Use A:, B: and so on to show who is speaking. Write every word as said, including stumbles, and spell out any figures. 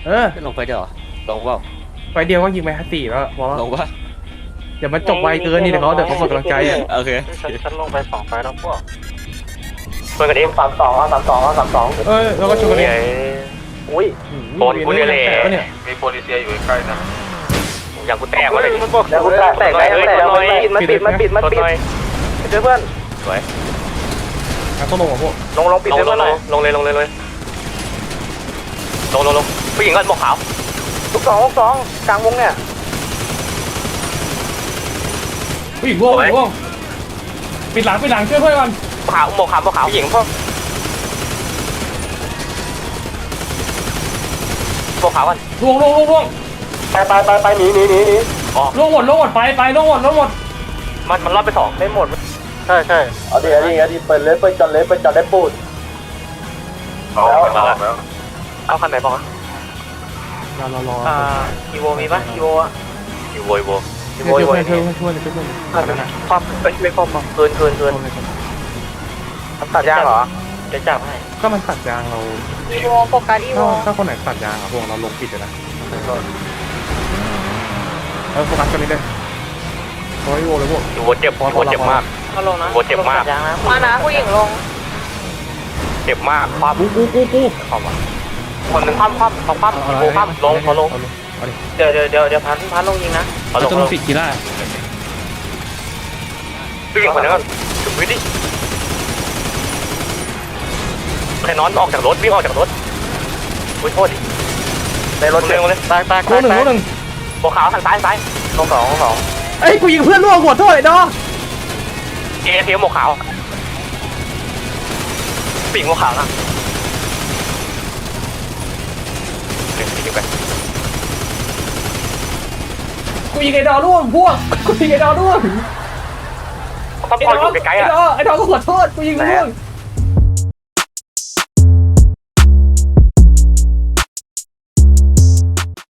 A: เออ
B: ลงไปเดี๋ยวลงเปล่า
A: ไปเดียวก็ยิงไปฮัตสี่แล้วพอ
B: ลงปะ
A: เดี๋ยวมันจบไวเกินนี่เดี๋ยวเขาเดี๋ยวเขาหมดกำลังใจอ่ะ
B: โอเค
C: ฉันลงไปสองไฟแล้วพวกเปิดกันเองสามสองสามสองสามสอง
A: เออแล้วก็ชนกันเอง
C: อุ้ยโดนกูเนี่ยเลยมีโปลิเซียอยู่ใกล้นะอย่างกูแตกวะเลยแล้วกูแตกแตกได้แตกมันปิดมันปิดมันปิดมันปิดเจอเพื่อนสวย
A: ต้องลงกับพวก
C: ลงลงปิดเลยลงเลยลงเลยเลยลงลงลงผู้หญิงก็หมวกขาวลูกสองลูกสองกลางวงเนี่ย
A: ผู้หญิงร่วงร่วงปิดหลังปิดหลังช่วยเพื่อนก่อน
C: ขาวหมวกขาวหมวกขาวผู้หญิงพวกหมวกขาวกัน
A: ร่วงร่วงร่วงร่วง
C: ไปไปไปไปหนีหนีหนีหนี
A: ร่วงหมดร่วงหมดไปไปร่วงหมดร่วงหมด
C: มันมันรอดไปสองไม่หมดใช่ใช่เอาดิเอาดิเอาดิเปิดเลยเปิดจอดเลยเปิดจอดได้ปูดแล้วเอาคันไหนบอกอะ
A: รอรอรอ
C: อ่าอีโวมีปะอีโวอะอีโวอีโวอีโวอีโว
A: ช่วยช่วยช่วยช่วย
C: ความเอ้ยไม่ความเกินเกินเกินตัดยางเหรอจะจับให้
A: ก็มันตัดยางเรา
D: อีโวโฟกัสอีโว
A: ถ้าคนไหนตัดยางอ่ะพวกเราลงปิดเลยนะเออโฟกัสกันนี้เลยโอ้ยโวเลยพวก
C: อีโวเจ็บอีโวเจ็บมาก
D: เอาลงนะ
C: อีโวเจ็บมาก
D: มานะผู้หญิงลง
C: เจ็บมากความ
A: กูกูกูกู
C: ความคนหนึ่งความความความความอีโวความลงเขาลงเดี๋ยวเดี๋ยวเดี๋ยวเดี๋ยวพันพันลงยิงนะ
A: เขาลงลงปิดกีฬา
C: ผู้หญิงคนนั้นก็ถึงวิธีใครนอนออกจากรถวิ่งออกจากรถอุ้ยโทษดิในรถเร็วเลยตายตาย
A: คู่หนึ่งคู่หนึ่ง
C: หัวขาวทางซ้ายซ้ายลงสองลงสอง
A: เอ้ยกูยิงเพื่อนล่วงหัวโทษไอ้ดอ
C: เอเทียมหัวขาวปิ่งหัวขาวนะเดี๋ยวไป
A: กูยิงไอ้ดอล่วงพวกกูยิงไอ้ดอล่วง
C: ต้องคอยอยู่ไกลๆอ่ะ
A: ไอ้ดอไอ้ดอก็ขอโทษกูยิงล่วง